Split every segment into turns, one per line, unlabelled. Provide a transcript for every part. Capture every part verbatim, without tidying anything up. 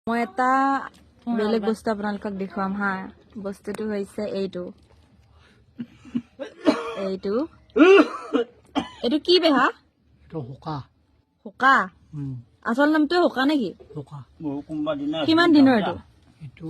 মই এটা বেলেগ বস্তু আপোনালোকক দেখুৱাম হা বস্তুটো হৈছে এইটো এইটো এইটো কি বেহা
এইটো হোকা
হোকা আচল নামটো হোকা নেকি
হোকা
কিমান দিনৰ এইটো
এইটো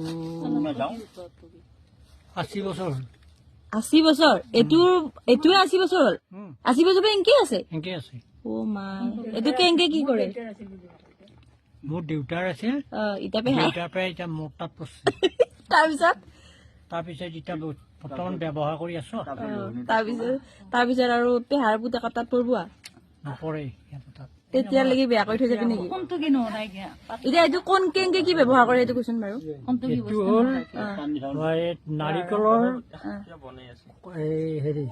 আশী বছৰ হ'ল
আশী বছৰ এইটো এইটোৱে আশী বছৰ হ'ল আশী বছৰ পৰা এংকে আছে
এংকে আছে
অ মাই এইটো কেংকে কি কৰে
মোৰ দেউতাৰ আছিল
ইটা বেহা
দেউতাৰ পৰা এতিয়া মোৰ তাত পৰছে
তাৰপিছত
তাৰপিছত এতিয়া বৰ্তমান ব্যৱহাৰ কৰি আছো
তাৰপিছত তাৰপিছত আৰু পেহাৰ পুতেকৰ তাত পৰব
নপৰে সিহঁতৰ তাত
তেতিয়ালৈকে বেয়া কৰি থৈ যাবি নেকি এতিয়া এইটো কোন কেংকে কি ব্যৱহাৰ কৰে এইটো কৈছোন বাৰু
এইটো হ'ল নাৰিকলৰ এই হেৰি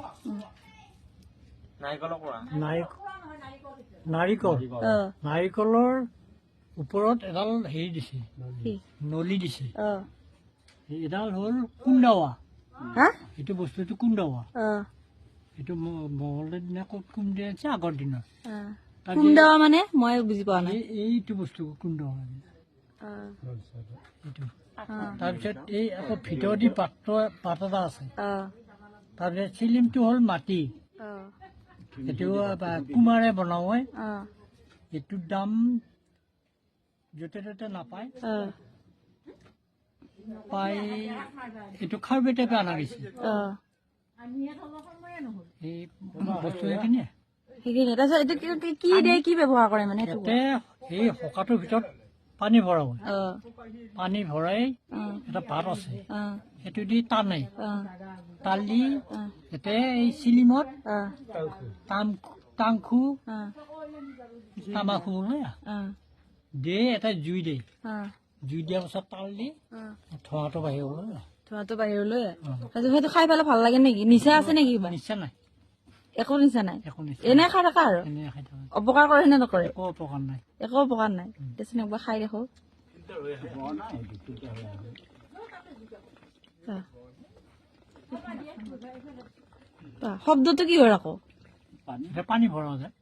নাৰিকল নাৰিকলৰ ওপৰত এডাল হেৰি দিছে নলি দিছে এডাল হ'ল কুন্দাৱা এইটো বস্তুটো কুন্দাৱা এইটো মহলৰ দিনা ক'ত কুন্দাই আছে আগৰ দিনত
কুন্দাৱা মানে মই বুজি পোৱা নাই
এইটো বস্তু কুন্দাৱা এইটো তাৰপিছত এই আকৌ ভিতৰদি পাত্ৰ পাত এটা আছে তাৰপিছত চিলিমটো হ'ল মাটি এইটো কুমাৰে বনাও হয় এইটোৰ দাম য'তে ত'তে নাপায় পাই এইটো খাৰবেটে পৰা অনা গৈছে এই বস্তু সেইখিনিয়ে
সেইখিনি তাৰপিছত এইটো কি দিয়ে কি ব্যৱহাৰ কৰে মানে
ইয়াতে এই হোকাটোৰ ভিতৰত পানী ভৰাব পানী ভৰাই এটা ভাত আছে সেইটো দি টানে টালি ইয়াতে এই চিলিমত টাংখু তামাখু দিয়ে এটা জুই দিয়ে জুই দিয়াৰ পাছত তাল দি ধোঁৱাটো বাহিৰলৈ
ধোঁৱাটো বাহিৰলৈ তাৰপিছত সেইটো খাই পেলাই ভাল লাগে নেকি নিচা আছে নেকি
নিচা নাই
একো নিচা নাই এনে খাই থাকা আৰু অপকাৰ কৰে নে নকৰে
একো অপকাৰ নাই
একো অপকাৰ নাই দেচোন একবাৰ খাই দেখো শব্দটো কি হয় আকৌ
পানী ভৰা যায়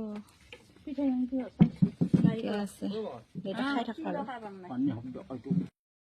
ঠিকে আছে খাই থাকা আৰু